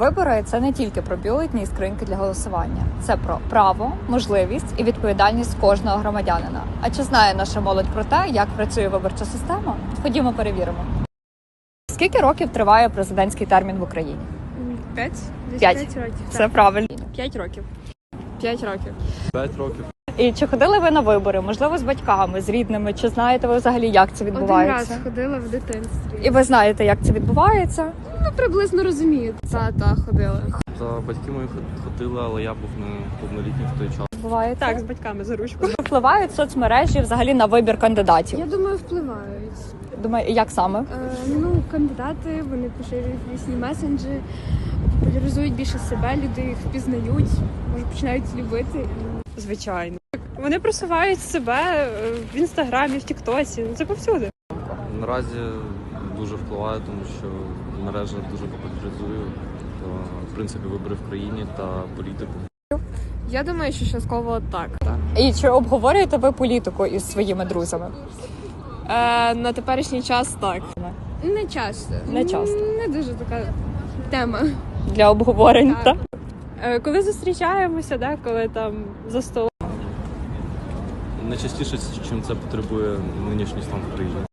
Вибори – це не тільки про бюлетні і скриньки для голосування. Це про право, можливість і відповідальність кожного громадянина. А чи знає наша молодь про те, як працює виборча система? Ходімо перевіримо. Скільки років триває президентський термін в Україні? 5? Десь 5. 5 років. Це правильно. 5 років. 5 років. 5 років. І чи ходили ви на вибори? Можливо, з батьками, з рідними? Чи знаєте ви взагалі, як це Один відбувається? раз ходила в дитинстві. І ви знаєте, як це відбувається? Ну, приблизно розумію. Та ходила. Та батьки мої ходили, але я був неповнолітній в той час. Відбувається? Так, з батьками за ручку. Впливають соцмережі взагалі на вибір кандидатів? Я думаю, впливають. Думаю, як саме? Кандидати, вони поширюють різні месенджі, популяризують більше себе, люди їх впізнають, може починають любити. Звичайно. Вони просувають себе в інстаграмі, в тіктосі. Це повсюди. Наразі дуже впливає, тому що мережа дуже популяризує, в принципі, вибори в країні та політику. Я думаю, що частково так. І чи обговорюєте ви політику із своїми друзями? На теперішній час так. Не часто. Не часто. Не дуже така тема. Для обговорень, Так. так? Коли зустрічаємося, коли там за столом. Найчастіше, чим це потребує нинішній стан в країні.